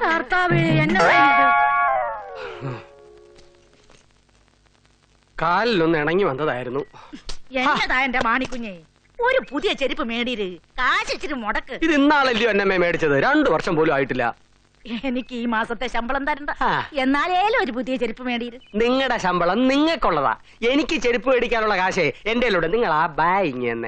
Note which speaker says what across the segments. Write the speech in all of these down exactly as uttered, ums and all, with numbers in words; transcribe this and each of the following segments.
Speaker 1: കാലിലൊന്ന് ഇണങ്ങി വന്നതായിരുന്നു.
Speaker 2: എന്നതാ എന്റെ മാണിക്കുഞ്ഞെ, ഒരു പുതിയ ചെരുപ്പ് മേടിര്, കാശിച്ചിരി മുടക്ക്.
Speaker 1: ഇത് ഇന്നാളല്ലയോ എന്നെ മേടിച്ചത്, രണ്ടു വർഷം പോലും ആയിട്ടില്ല.
Speaker 2: എനിക്ക് ഈ മാസത്തെ ശമ്പളം തരണ്ട, എന്നാലേലും ഒരു പുതിയ ചെരുപ്പ് മേടിര്.
Speaker 1: നിങ്ങളുടെ ശമ്പളം നിങ്ങൾക്കുള്ളതാ, എനിക്ക് ചെരുപ്പ് മേടിക്കാനുള്ള കാശേ എന്റെ നിങ്ങൾ ആ ബായിങ് തന്നെ.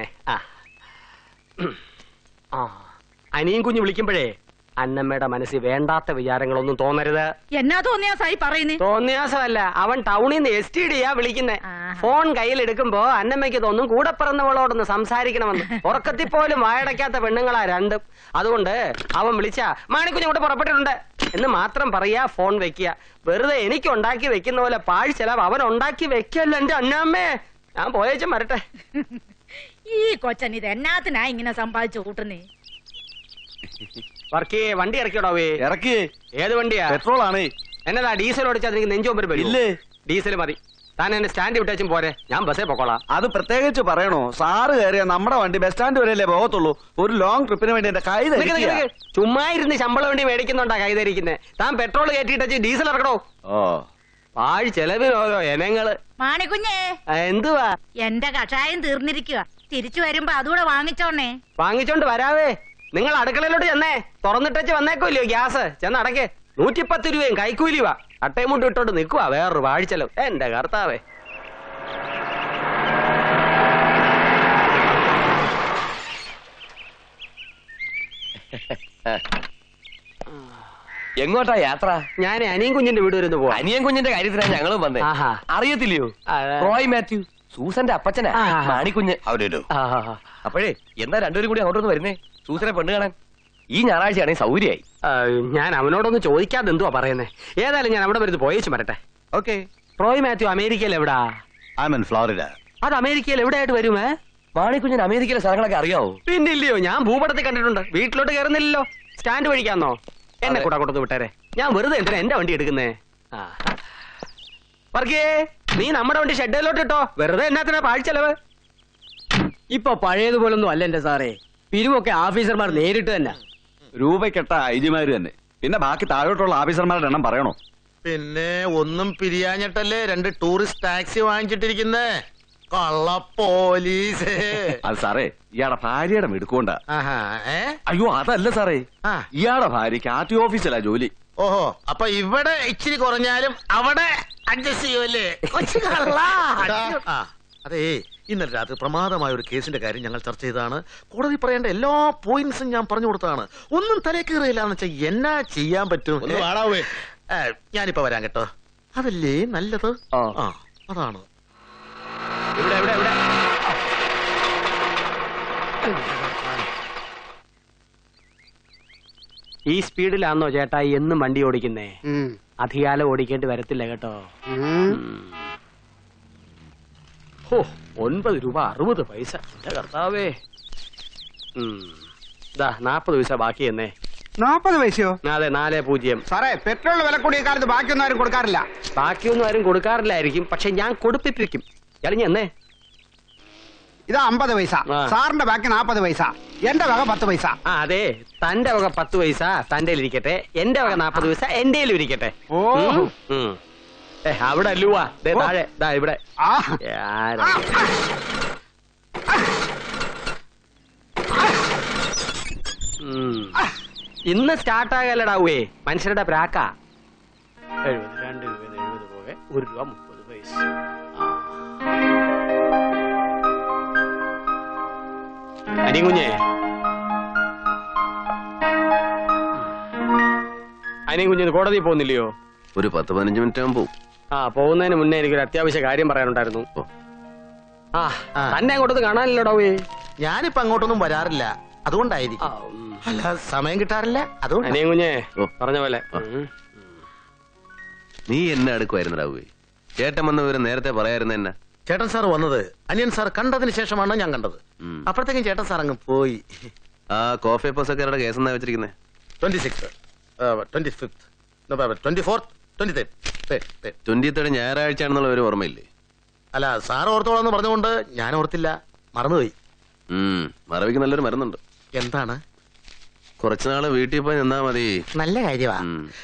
Speaker 1: ആ അനിയും കുഞ്ഞു വിളിക്കുമ്പോഴേ അന്നമ്മയുടെ മനസ്സിൽ വേണ്ടാത്ത വിചാരങ്ങളൊന്നും തോന്നരുത്.
Speaker 2: എന്നാ തോന്നിയാസായി പറയുന്നേ?
Speaker 1: തോന്നിയാസമല്ല, അവൻ ടൗണിൽ നിന്ന് എസ് ടി ഡിയാ വിളിക്കുന്നേ. ഫോൺ കയ്യിൽ എടുക്കുമ്പോ അന്നമ്മയ്ക്ക് തോന്നും കൂടെ പിറന്നവളോടൊന്ന് സംസാരിക്കണമെന്ന്. ഉറക്കത്തിൽ പോലും വായടയ്ക്കാത്ത പെണ്ണുങ്ങളാ രണ്ടും. അതുകൊണ്ട് അവൻ വിളിച്ച മാണിക്കുഞ്ഞ് കൂടെ പുറപ്പെട്ടിട്ടുണ്ട് എന്ന് മാത്രം പറയാ, ഫോൺ വെക്കുക. വെറുതെ എനിക്ക് ഉണ്ടാക്കി വെക്കുന്ന പോലെ പാഴ് ചെലവ് അവൻ ഉണ്ടാക്കി വെക്കല്ല എന്റെ അന്നമ്മേ. ഞാൻ പോയേച്ചും വരട്ടെ.
Speaker 2: ഈ കൊച്ചൻ ഇത് എന്നാത്തിനാ ഇങ്ങനെ സമ്പാദിച്ചു കൂട്ടുന്നേ?
Speaker 1: വർക്കേ വണ്ടി ഇറക്കിയോടാവേ.
Speaker 3: ഇറക്കിയേ.
Speaker 1: ഏത് വണ്ടിയാ?
Speaker 3: പെട്രോൾ ആണ്.
Speaker 1: എന്നതാ ഡീസൽ ഓടിച്ചാൽ എനിക്ക് നെഞ്ചോമ്പര് വരും. ഡീസൽ മതി. താൻ എന്നെ സ്റ്റാൻഡ് വിട്ടേച്ചും പോരെ, ഞാൻ ബസ്സേ പൊക്കോളാം.
Speaker 3: അത് പ്രത്യേകിച്ച് പറയണോ? സാറ് കയറിയ നമ്മുടെ വണ്ടി ബസ് സ്റ്റാൻഡ് വരെയല്ലേ പോകത്തുള്ളൂ. ഒരു ലോങ് ട്രിപ്പിന് വേണ്ടി എന്റെ കൈ
Speaker 1: ചുമ്മാ ഇരുന്ന് ശമ്പളം വേണ്ടി മേടിക്കുന്നുണ്ടാ കൈതരിക്കുന്നേ. താൻ പെട്രോൾ കയറ്റിട്ട് ഡീസൽ ഇറക്കണോ? ഓ പാഴ് ചെലവിന് ഓരോ ഇനങ്ങള്.
Speaker 2: മാണിക്കുഞ്ഞേ
Speaker 1: എന്തുവാ?
Speaker 2: എന്റെ കഷായം തീർന്നിരിക്കുക, തിരിച്ചു വരുമ്പോ അതുകൂടെ വാങ്ങിച്ചോണേ.
Speaker 1: വാങ്ങിച്ചോണ്ട് വരാവേ. നിങ്ങൾ അടുക്കളയിലോട്ട് ചെന്നേ, തുറന്നിട്ടച്ച് വന്നേക്കോല്ലോ ഗ്യാസ്. ചെന്ന് അടക്കേ. നൂറ്റിപ്പത്ത് രൂപയും കൈക്കൂലിവാ. അട്ടയും ഇട്ടോണ്ട് നിക്കുവാ വേറൊരു വാഴിച്ചലവ്. എന്റെ കർത്താവേ.
Speaker 4: എങ്ങോട്ടാ യാത്ര?
Speaker 1: ഞാൻ അനിയൻ കുഞ്ഞിന്റെ വീട് വരുന്നു പോവാ.
Speaker 4: അനിയൻ കുഞ്ഞിന്റെ കാര്യത്തിലാണ് ഞങ്ങളും വന്നേ. അറിയത്തില്ലയോ? റോയ് മാത്യു, സൂസന്റെ അപ്പച്ചനാ മാണിക്കുഞ്ഞ്. അപ്പോഴേ എന്താ രണ്ടുപേരും കൂടി അങ്ങോട്ടൊന്ന് വരുന്നേ? സൂസനെ പെണ്ണ് കാണാൻ ഈ ഞായറാഴ്ചയാണെങ്കിൽ സൗകര്യമായി.
Speaker 1: ഞാൻ അവനോടൊന്ന് ചോദിക്കാതെ എന്തുവാ പറയുന്നേ. ഏതായാലും ഞാൻ അവിടെ വരുന്നത് പോയേച്ചു വരട്ടെ.
Speaker 3: ഓക്കെ.
Speaker 1: റോയ് മാത്യു അമേരിക്കയിൽ എവിടാ?
Speaker 3: ഫ്ലോറിഡ.
Speaker 1: അത് അമേരിക്കയിൽ എവിടെയായിട്ട് വരുമേ?
Speaker 4: മാണിക്കുഞ്ഞിന് അമേരിക്കയിലെ സ്ഥലങ്ങളൊക്കെ അറിയാവോ?
Speaker 1: പിന്നില്ലയോ, ഞാൻ ഭൂപടത്തിൽ കണ്ടിട്ടുണ്ട്. വീട്ടിലോട്ട് കയറുന്നില്ലല്ലോ, സ്റ്റാൻഡ് വഴിക്കാന്നോ? എന്നെ കൂടെ കൊടുത്ത് വിട്ടേരെ. ഞാൻ വെറുതെ എന്തിനാ എന്റെ വണ്ടി എടുക്കുന്നേ? വർഗേ, നീ നമ്മുടെ വണ്ടി ഷെഡിലോട്ട് ഇട്ടോ. വെറുതെ എന്നാത്തിനാ പാഴ്ചെലവ്?
Speaker 5: ഇപ്പൊ പഴയതുപോലൊന്നും അല്ല എന്റെ സാറേ. പിരിവൊക്കെ ഓഫീസർമാർ നേരിട്ട് തന്നെ.
Speaker 3: രൂപക്കെട്ട ഐജിമാര് തന്നെ. പിന്നെ ബാക്കി താഴോട്ടുള്ള ഓഫീസർമാരുടെ എണ്ണം പറയണോ?
Speaker 6: പിന്നെ ഒന്നും പിരിയാഞ്ഞിട്ടല്ലേ രണ്ട് ടൂറിസ്റ്റ് ടാക്സി വാങ്ങിച്ചിട്ടിരിക്കുന്നേ. കള്ള പോലീസ്.
Speaker 3: അത് സാറേ ഇയാളുടെ ഭാര്യയുടെ മിടുക്കൊണ്ടാ.
Speaker 6: ഏ
Speaker 3: അയ്യോ അതല്ല സാറേ, ഇയാളുടെ ഭാര്യക്ക് ആർ ടി ഓഫീസിലാ ജോലി.
Speaker 6: ഓഹോ, അപ്പൊ ഇവിടെ ഇച്ചിരി കുറഞ്ഞാലും അവിടെ അഡ്ജസ്റ്റ് ചെയ്യുമല്ലേ? അതേ, ഇന്നലെ രാത്രി പ്രമാദമായ ഒരു കേസിന്റെ കാര്യം ഞങ്ങൾ ചർച്ച ചെയ്താണ്. കോടതി പറയേണ്ട എല്ലാ പോയിന്റ്സും ഞാൻ പറഞ്ഞു കൊടുത്താണ്. ഒന്നും തലേ കയറിയില്ല എന്ന് വെച്ചാൽ എന്നാ ചെയ്യാൻ പറ്റും? ഞാനിപ്പോ വരാൻ കേട്ടോ. അതല്ലേ നല്ലത്. ആ അതാണ്.
Speaker 1: ഇവിടെ ഇവിടെ ഇവിടെ ഈ സ്പീഡിലാണോ ചേട്ടാ എന്നും വണ്ടി ഓടിക്കുന്നേ? അധികാലം ഓടിക്കേണ്ടി വരത്തില്ല കേട്ടോ. ഓ, ഒൻപത് രൂപ അറുപത് പൈസ. എന്റെ കർത്താവേ. ഇതാ നാപ്പത് പൈസ ബാക്കി എന്നേ.
Speaker 5: നാപ്പത് പൈസയോ?
Speaker 1: അതെ, നാല് പൂജ്യം.
Speaker 5: സാറേ, പെട്രോൾ വില കൂടിയ കാലത്ത് ബാക്കിയൊന്നും ആരും കൊടുക്കാറില്ല.
Speaker 1: ബാക്കിയൊന്നും ആരും കൊടുക്കാറില്ലായിരിക്കും, പക്ഷെ ഞാൻ കൊടുപ്പിപ്പിക്കും. ഇറങ്ങി എന്നേ.
Speaker 5: ഇതാ അമ്പത് പൈസ. സാറിന്റെ ബാക്കി നാപ്പത് പൈസ. എന്റെ വക പത്ത് പൈസ.
Speaker 1: ആ അതെ, തന്റെ വക പത്ത് പൈസ തന്റെ ഇരിക്കട്ടെ, എന്റെ വക നാപ്പത് പൈസ എന്റെ ഇരിക്കട്ടെ. ഓ ഏ അവിടെ അല്ലുവാ, താഴെ ദാ ഇവിടെ. ഇന്ന് സ്റ്റാർട്ടാകല്ലടാവേ മനുഷ്യരുടെ പ്രാക്ക. എഴുപത് രണ്ട് രൂപ എഴുപത് പോകെ ഒരു രൂപ മുപ്പത് പൈസ. അനികുഞ്ഞേ, അനികുഞ്ഞ് കോടതി പോകുന്നില്ലയോ?
Speaker 4: ഒരു പത്ത് പതിനഞ്ച് മിനിറ്റ് ആകുമ്പോ.
Speaker 1: ആ, പോകുന്നതിന് മുന്നേ എനിക്കൊരു അത്യാവശ്യ കാര്യം പറയാനുണ്ടായിരുന്നു. ആ തന്നെ അങ്ങോട്ടൊന്നും കാണാനില്ലടോവേ.
Speaker 6: ഞാനിപ്പോ അങ്ങോട്ടൊന്നും വരാറില്ല, അതുകൊണ്ടായിരിക്കും. അല്ല, സമയം കിട്ടാറില്ല, അതുകൊണ്ട്.
Speaker 1: അനികുഞ്ഞേ പറഞ്ഞ പോലെ.
Speaker 4: നീ എന്നെ അടുക്കുമായിരുന്നടാവേ. ചേട്ടൻ വന്ന വിവരം നേരത്തെ പറയായിരുന്നു. എന്നാ
Speaker 6: ചേട്ടൻ സാർ വന്നത് അനിയൻ സാർ കണ്ടതിന് ശേഷമാണ് ഞാൻ കണ്ടത്. അപ്പോഴത്തേക്കും ചേട്ടൻ സാർ അങ്ങ് പോയി.
Speaker 4: ആ കോഫി പസക്കാരുടെ കേസ് എന്നാ വെച്ചിരിക്കുന്നത്?
Speaker 6: Twenty six twenty fifth twenty fourth twenty third
Speaker 4: twenty third ഞായറാഴ്ച ആണെന്നുള്ള ഒരു ഓർമ്മയില്ലേ?
Speaker 6: അല്ല, സാർ ഓർത്തോളാന്ന് പറഞ്ഞുകൊണ്ട് ഞാൻ ഓർത്തില്ല, മറന്നുപോയി.
Speaker 4: മറവിക്ക് നല്ലൊരു മരുന്നുണ്ട്.
Speaker 6: എന്താണ്?
Speaker 7: കുറച്ചുനാള് വീട്ടിൽ പോയി നിന്നാ മതി.
Speaker 6: നല്ല കാര്യമാ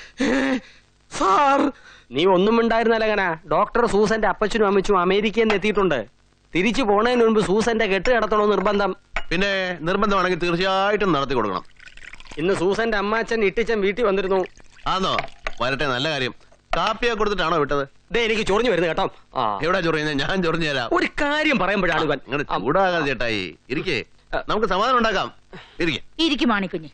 Speaker 6: സാർ.
Speaker 1: നീ ഒന്നും ഉണ്ടായിരുന്നല്ലങ്ങനെ. ഡോക്ടർ സൂസന്റെ അപ്പച്ചനും അമ്മച്ചും അമേരിക്കയിൽ നിന്ന് എത്തിയിട്ടുണ്ട്. തിരിച്ചു പോണതിന് മുൻപ് സൂസന്റെ കെട്ട് കിടത്തണോ നിർബന്ധം.
Speaker 7: പിന്നെ നിർബന്ധമാണെങ്കിൽ തീർച്ചയായിട്ടും നടത്തി കൊടുക്കണം.
Speaker 1: ഇന്ന് സൂസന്റെ അമ്മാച്ചൻ ഇട്ടിച്ചൻ വീട്ടിൽ വന്നിരുന്നു.
Speaker 7: ആന്നോ? വരട്ടെ, നല്ല കാര്യം. കാപ്പിയൊക്കെ കൊടുത്തിട്ടാണോ വിട്ടത്?
Speaker 1: ദേ എനിക്ക് ചൊറിഞ്ഞു വരുന്നു കേട്ടോ.
Speaker 7: എവിടെ ചൊറിയുന്നത്? ഞാൻ ചൊറിഞ്ഞു തരാം.
Speaker 1: ഒരു കാര്യം പറയുമ്പോഴാണ് ഇവൻ.
Speaker 7: നിങ്ങളുടെ ചൂടാകാതെ ചേട്ടായി. ഇരിക്കേ, നമുക്ക് സമാധാനം ഉണ്ടാക്കാം. ഇരിക്കേ.
Speaker 2: ഇരിക്കും മാണിക്കുഞ്ഞ്.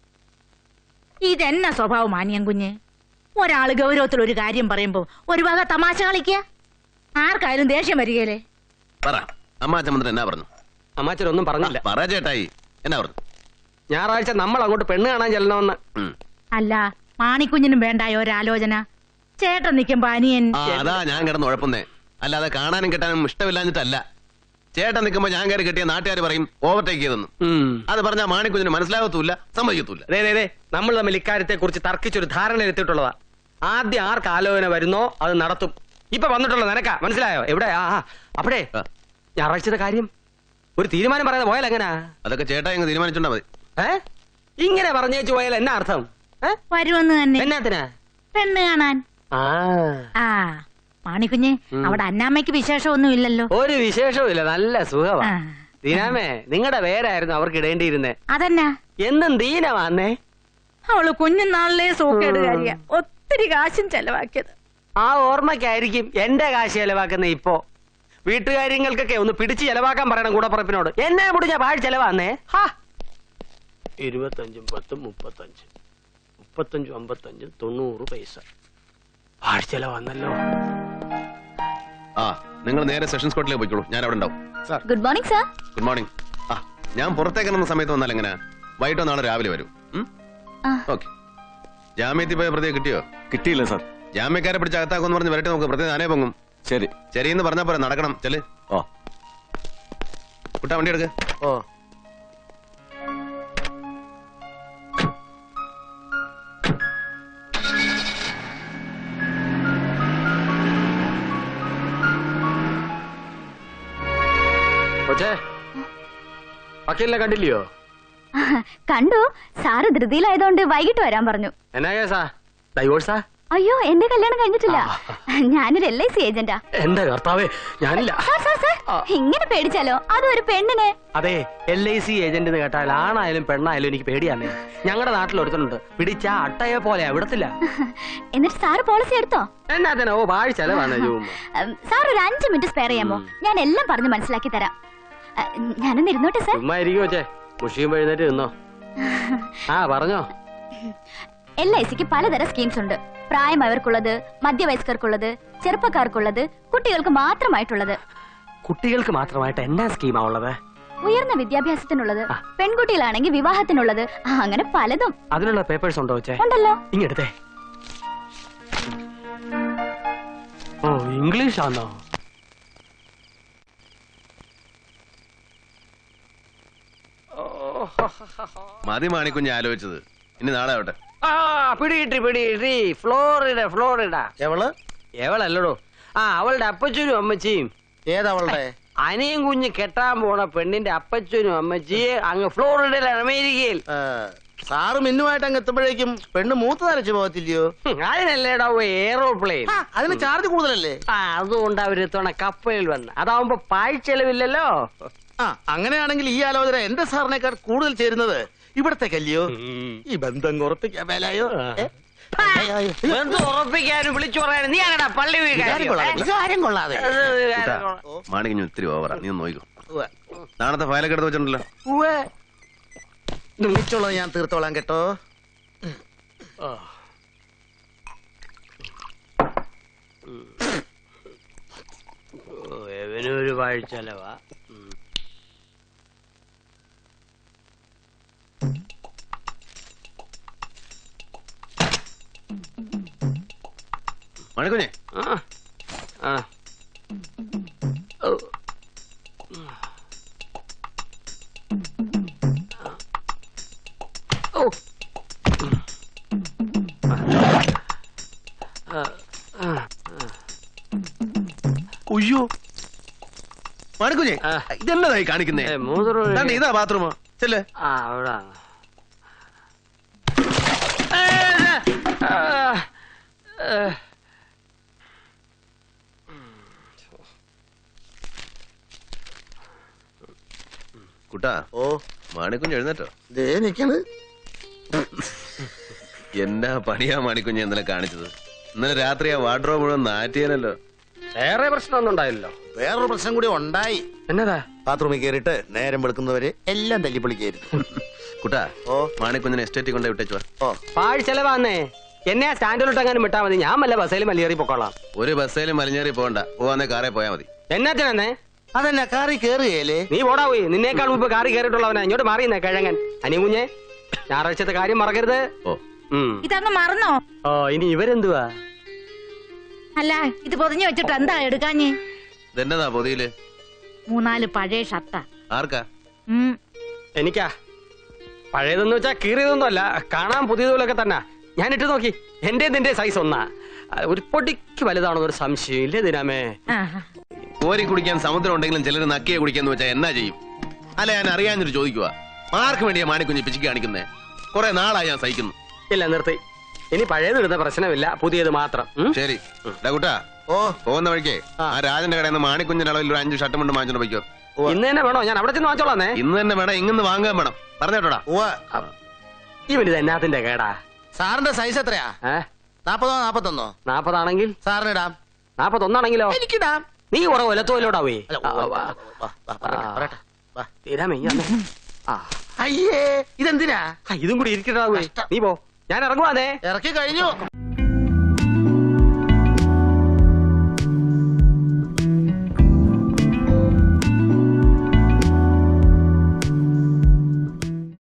Speaker 2: ഇതെന്നാ സ്വഭാവം മാനിയം കുഞ്ഞ്? ഒരാള് ഗൗരവത്തിൽ ഒരു കാര്യം പറയുമ്പോ ഒരു വക തമാശ കളിക്ക. ആർക്കായാലും ദേഷ്യം വരികയല്ലേ?
Speaker 7: പറ, അമ്മാച്ചമ്മ എന്നാ പറഞ്ഞു?
Speaker 1: അമ്മാച്ചനൊന്നും പറഞ്ഞില്ല.
Speaker 7: പറ ചേട്ടായി, എന്നാ പറഞ്ഞു?
Speaker 1: ഞായറാഴ്ച നമ്മൾ അങ്ങോട്ട് പെണ്ണ് കാണാൻ ചെല്ലണമെന്ന്.
Speaker 2: അല്ല, മാണിക്കുഞ്ഞിനും വേണ്ടായോ ഒരാലോചന? ചേട്ടൻ നിക്കുമ്പോ അനിയൻ.
Speaker 7: അതാ ഞാൻ കിടന്ന് ഉഴപ്പുന്നേ. അല്ലാതെ കാണാനും കെട്ടാനും ഇഷ്ടമില്ലാഞ്ഞിട്ടല്ല. ചേട്ടൻ നിൽക്കുമ്പോ ഞാൻ കയറി കെട്ടിയ നാട്ടുകാർ പറയും ഓവർടേക്ക് ചെയ്തെന്ന്. അത് പറഞ്ഞാൽ മാണിക്കുഞ്ഞിന് മനസ്സിലാകത്തൂല്ല, സമ്മതിക്കത്തൂല്ല.
Speaker 1: നമ്മൾ തമ്മിൽ ഇക്കാര്യത്തെ കുറിച്ച് തർക്കിച്ചൊരു ധാരണ എത്തിയിട്ടുള്ളതാ. ആദ്യം ആർക്ക് ആലോചന വരുന്നോ അത് നടത്തും. ഇപ്പൊ വന്നിട്ടുള്ള നിനക്കാ, മനസ്സിലായോ? എവിടെ? ആ അപ്പഴേ ഞായറാഴ്ചത്തെ കാര്യം ഒരു തീരുമാനം പറയാതെ പോയാൽ എങ്ങനാ?
Speaker 7: അതൊക്കെ ചേട്ടാ ഇങ്ങ് തീരുമാനിച്ചോണ്ടാ മതി.
Speaker 1: ഏ ഇങ്ങനെ പറഞ്ഞേച്ചു പോയാൽ എന്നാ അർത്ഥം?
Speaker 2: വരുമെന്ന് തന്നെ.
Speaker 1: എന്നാത്തിനാ?
Speaker 2: പെണ്ണ് കാണാൻ. ആ മാണിക്കുഞ്ഞ്, അവിടെ അന്നാമ്മയ്ക്ക് വിശേഷമൊന്നും ഇല്ലല്ലോ?
Speaker 1: ഒരു വിശേഷവും ഇല്ല, നല്ല സുഖമാ. ദീനാമേ, നിങ്ങളുടെ പേരായിരുന്നു അവർക്ക് ഇടേണ്ടിയിരുന്നേ.
Speaker 2: അതെന്നാ?
Speaker 1: എന്നും ദീന വന്നേ.
Speaker 2: അവള് കുഞ്ഞുനാളിലെ സൂക്കേടുകാരിയ, ഒത്തിരി കാശും ചെലവാക്കിയത്.
Speaker 1: ആ ഓർമ്മയ്ക്കായിരിക്കും എന്റെ കാശ് ചെലവാക്കുന്ന. ഇപ്പോ വീട്ടുകാര്യങ്ങൾക്കൊക്കെ ഒന്ന് പിടിച്ച് ചെലവാക്കാൻ പറയണം കൂടപ്പുറപ്പിനോട്. എന്നെ മുടിഞ്ഞ പാഴ് ചെലവാന്നേ. ഇരുപത്തഞ്ചും പത്തും മുപ്പത്തഞ്ച്, മുപ്പത്തഞ്ചും അമ്പത്തഞ്ചും തൊണ്ണൂറ് പൈസ പാഴ് ചെലവാന്നല്ലോ.
Speaker 7: ആ, നിങ്ങൾ നേരെ സെഷൻസ് കോർട്ടിലേക്ക് പോയിക്കോളൂ, ഞാൻ അവിടെ ഉണ്ടാവും.
Speaker 8: Good morning sir.
Speaker 7: Good morning. ആ, ഞാൻ പുറത്തേക്ക് ഇറങ്ങുന്ന സമയത്ത് വന്നാൽ എങ്ങനെ? വൈകിട്ടോ നാളെ രാവിലെ വരും. ഓക്കെ. ജാമ്യത്തിൽ പോയ പ്രതിയെ കിട്ടിയോ?
Speaker 3: കിട്ടിയില്ല സാർ.
Speaker 7: ജാമ്യക്കാരെ പിടിച്ച് അകത്താക്കുമെന്ന് പറഞ്ഞ് വരട്ടെ, നമുക്ക് പ്രതി താനേ പൊങ്ങും.
Speaker 3: ശരി
Speaker 7: ശരിയെന്ന് പറഞ്ഞാ പോരെ, നടക്കണം. ചെല്.
Speaker 3: ഓ
Speaker 7: കുട്ടാ, വണ്ടി എടുക്ക്.
Speaker 6: ഓ
Speaker 1: വക്കീലിനെ കണ്ടില്ലയോ?
Speaker 8: കണ്ടു. സാറ് ധൃതിയിലായതുകൊണ്ട് വൈകിട്ട് വരാൻ പറഞ്ഞു.
Speaker 1: എന്നാ കേസാ? ഡൈവോഴ്സാ?
Speaker 8: അയ്യോ, എന്റെ കല്യാണം കഴിഞ്ഞിട്ടില്ല. ഞാനൊരു എൽ ഐ സി ഏജന്റാ.
Speaker 1: എന്റെ കർത്താവേ, ഞാനില്ല.
Speaker 8: ഇങ്ങനെ പേടിച്ചാലോ? അതും ഒരു പെണ്ണിനെ.
Speaker 1: അതെ, എൽ ഐ സി ഏജന്റ് എന്ന് കേട്ടാൽ ആണായാലും പെണ്ണായാലും എനിക്ക് പേടിയാന്നേ. ഞങ്ങളുടെ നാട്ടിൽ ഒരുത്തനുണ്ട്, പിടിച്ച അട്ടയെ പോലെ വിടത്തില്ല.
Speaker 8: എന്നിട്ട് സാറ് പോളിസി എടുത്തോ?
Speaker 1: എന്നാ? ഓ, പാഴ് ചെലവാണ്.
Speaker 8: സാർ ഒരു അഞ്ചു മിനിറ്റ് സ്പെയർ ചെയ്യാമോ? ഞാൻ എല്ലാം പറഞ്ഞു മനസ്സിലാക്കി തരാം. ഞാനൊന്ന് ഇരുന്നോട്ടെ സാർ.
Speaker 1: ചുമ്മാ ഇരിക്കുവോ ചേ? മുഷിയും എഴുന്നേറ്റ് നിന്നോ. ആ പറഞ്ഞോ.
Speaker 8: എൽ ഐ സിക്ക് പലതരം സ്കീംസ് ഉണ്ട്. പ്രായമായവർക്കുള്ളത്, മധ്യവയസ്കർക്കുള്ളത്, ചെറുപ്പക്കാർക്കുള്ളത്, കുട്ടികൾക്ക് മാത്രമായിട്ടുള്ളത്.
Speaker 1: കുട്ടികൾക്ക് മാത്രമായിട്ട് എന്നാ സ്കീമാ ഉള്ളത്?
Speaker 8: ഉയർന്ന വിദ്യാഭ്യാസത്തിനുള്ളത്, പെൺകുട്ടികളാണെങ്കിൽ വിവാഹത്തിനുള്ളത്, അങ്ങനെ പലതും.
Speaker 1: അതിനുള്ള പേപ്പേഴ്സ് ഉണ്ടോ ചേ?
Speaker 8: ഉണ്ടല്ലോ.
Speaker 1: ഇങ്ങെടുത്തേ. ഓ, ഇംഗ്ലീഷ് ആണോ?
Speaker 7: മതി മാണിക്കുഞ്ഞ് ആലോചിച്ചത്. ഇനി നാളെ ആവട്ടെ.
Speaker 1: ആ പിടികിട്ടി പിടികിട്ടി. Florida Florida.
Speaker 6: എവള്?
Speaker 1: എവളല്ലടോ. ആ, അവളുടെ അപ്പച്ചനും അമ്മച്ചിയും.
Speaker 6: ഏതവളുടെ?
Speaker 1: അനിയും കുഞ്ഞ് കെട്ടാൻ പോണ പെണ്ണിന്റെ അപ്പച്ചനും അമ്മച്ചിയെ അങ്ങ് ഫ്ലോറിഡയിലാണ്, അമേരിക്കയിൽ.
Speaker 6: സാറ് മിന്നുമായിട്ട് അങ്ങ് എത്തുമ്പോഴേക്കും പെണ്ണ് മൂത്ത് നരച്ചു പോകത്തില്ലയോ?
Speaker 1: അതിനല്ലേടാ എയറോപ്ലെയിൻ.
Speaker 6: അതിന് ചാർജ് കൂടുതലല്ലേ?
Speaker 1: ആ, അതുകൊണ്ട് അവര് ഇത്തവണ കപ്പലിൽ വന്ന്. അതാവുമ്പോ പാഴ്ചെലവില്ലല്ലോ.
Speaker 6: ആ, അങ്ങനെയാണെങ്കിൽ ഈ ആലോചന എന്റെ സാറിനേക്കാൾ കൂടുതൽ ചേരുന്നത് ഇവിടത്തേക്കല്ലയോ? ഈ ബന്ധം ഉറപ്പിക്കാൻ മേലായോ?
Speaker 1: ഉറപ്പിക്കാനും വിളിച്ചു പറയാനും നീ ആണടാ പള്ളി
Speaker 6: വികാരം കൊള്ളാതെ.
Speaker 7: മാണിക്കുഞ്ഞ് ഒത്തിരി ഓവറാ, നീ ഒന്ന് നോക്കോ. നാളത്തെ ഫയലൊക്കെ എടുത്ത് വെച്ചിട്ടുണ്ടല്ലോ.
Speaker 6: വിളിച്ചോളാം, ഞാൻ തീർത്തോളാം കേട്ടോ.
Speaker 1: ഒരു പാഴ്ചെലവാ.
Speaker 7: മണിക്കുഞ്ഞെ,
Speaker 1: ആ
Speaker 7: അയ്യോ മണിക്കുഞ്ഞെ, ഇതെന്നതായി കാണിക്കുന്നേ? ഇതാ ബാത്റൂമോ? ചെല്ലേ.
Speaker 1: ആ, അവിടെ
Speaker 7: കുട്ടാ
Speaker 6: ഓ
Speaker 7: മാണിക്കുഞ്ഞ് എഴുന്നേറ്റോ?
Speaker 6: ദേ നിക്കണ്.
Speaker 7: എന്നാ പണിയാ മാണിക്കുഞ്ഞ് ഇന്നലെ കാണിച്ചത്? ഇന്നലെ രാത്രി ആ വാർഡ്രോബ് മുഴുവൻ നാറ്റിയാനല്ലോ.
Speaker 1: വേറെ പ്രശ്നമൊന്നും ഉണ്ടായില്ലല്ലോ.
Speaker 6: വേറൊരു പ്രശ്നം കൂടി ഉണ്ടായി.
Speaker 1: എന്നതാ?
Speaker 6: ബാത്റൂമിൽ കയറിയിട്ട് നേരം വെളുക്കുന്നവരെ എല്ലാം തല്ലിപ്പൊളിക്കായിരുന്നു.
Speaker 7: കുട്ടാ
Speaker 6: ഓ
Speaker 7: മാണിക്കുഞ്ഞിനെ എസ്റ്റേറ്റിൽ കൊണ്ടേ വിട്ടേച്ചു വാ.
Speaker 6: ഓ
Speaker 1: പാഴ് ചെലവാന്നേ. എന്നെ ആ സ്റ്റാൻഡിലോട്ട് എങ്ങാനും വിട്ടാ മതി. ഞാൻ വല്ല ബസ്സേലും മലയേറി പൊക്കോളാം.
Speaker 7: ഒരു ബസ്സേലും മലിഞ്ഞേറി പോകണ്ട, പോവാന്നേ കാറേ പോയാ മതി.
Speaker 1: എന്നാത്തിനെന്നേ?
Speaker 6: അതെന്നാ കാറി കേറുകയല്ലേ?
Speaker 1: നീ പോടാ പോയി. നിന്നേക്കാൾ മുമ്പ് കാറി കയറിയിട്ടുള്ളവനാ. ഇങ്ങോട്ട് മാറിയുന്നേ കിഴങ്ങൻ. അനികുഞ്ഞെ, ഞായറാഴ്ചത്തെ കാര്യം മറക്കരുത്.
Speaker 7: ഓ
Speaker 1: ഉം.
Speaker 2: ഇതങ്ങ് മറന്നോ?
Speaker 1: ഓ ഇനി ഇവരെന്തുവാ?
Speaker 2: അല്ല ഇത് പൊതിഞ്ഞു വെച്ചിട്ട് എന്താ എടുക്കാഞ്ഞ്?
Speaker 7: ഇതെന്നതാ പൊതിയില്?
Speaker 2: മൂന്നാല് പഴയ ഷർട്ടാ.
Speaker 7: ആർക്കാ?
Speaker 2: ഉം.
Speaker 1: എനിക്കാ. പഴയതെന്ന് വെച്ചാ കീറിയതൊന്നും അല്ല, കാണാൻ പുതിയതുപോലൊക്കെ തന്നെ. ഞാൻ ഇട്ട് നോക്കി. എന്റെ നിന്റെ സൈസ് ഒന്നാ. ഒരു പൊടിക്ക് വലുതാണോ ഒരു സംശയം ഇല്ലേ ദിനാമേ?
Speaker 2: ആഹാ.
Speaker 7: കോരി കുടിക്കാൻ സമുദ്രം ഉണ്ടെങ്കിലും ചിലർ നക്കിയെ കുടിക്കാന്ന് വെച്ചാൽ എന്നാ ചെയ്യും? അല്ല ഞാൻ അറിയാഞ്ഞിട്ട് ചോദിക്കുക. ആർക്ക് വേണ്ടിയാ മാണിക്കുഞ്ഞ് പിച്ചിക്ക് കാണിക്കുന്നേ? കുറെ നാളായി ഞാൻ സഹിക്കുന്നു.
Speaker 1: ഇല്ല നിർത്തി. ഇനി പഴയത് ഇടുന്ന പ്രശ്നമില്ല, പുതിയത് മാത്രം. ഉം?
Speaker 7: ശരി കുട്ടാ,
Speaker 6: ഓ
Speaker 7: പോകുന്ന വഴിക്കേ ആ രാജന്റെ കടയിൽ നിന്ന് മാണിക്കുഞ്ഞിന്റെ അളവിൽ ഒരു അഞ്ച് ഷർട്ട് കൊണ്ട് വാങ്ങിച്ചോണ്ട് പോയിക്കോ.
Speaker 1: ഇന്ന് തന്നെ വേണോ? ഞാൻ അവിടെ ചെന്ന് വാങ്ങിച്ചോളാന്നേ.
Speaker 7: ഇന്ന് തന്നെ വേണം, ഇങ്ങനെ വാങ്ങാൻ വേണം. പറഞ്ഞോട്ടാ.
Speaker 6: ഉവ്വ.
Speaker 1: ഇവനിത് എന്നാത്തിന്റെ കേടാ?
Speaker 6: സാറിന്റെ സൈസ് എത്രയാ?
Speaker 1: ഏ
Speaker 6: നാപ്പതോ നാപ്പത്തൊന്നോ?
Speaker 1: നാപ്പതാണെങ്കിൽ
Speaker 6: സാറിന് ഇടാം.
Speaker 1: നാപ്പത്തൊന്നാണെങ്കിലോ?
Speaker 6: എനിക്കിടാം.
Speaker 1: നീ കുറെ ഒലത്തോലോടാവേ.
Speaker 6: അല്ല, ഉവ്വ, വാ, വാ, വാ, പറയട്ടെ, പറയട്ടെ. വാ.
Speaker 1: തീരാമേ ആ
Speaker 6: അയ്യേ ഇതെന്തിനാ?
Speaker 1: ഇതും കൂടി ഇരിക്കട്ടാവേ. നീ പോ, ഞാൻ ഇറങ്ങുവാന്നേ.
Speaker 6: ഇറക്കി കഴിഞ്ഞു.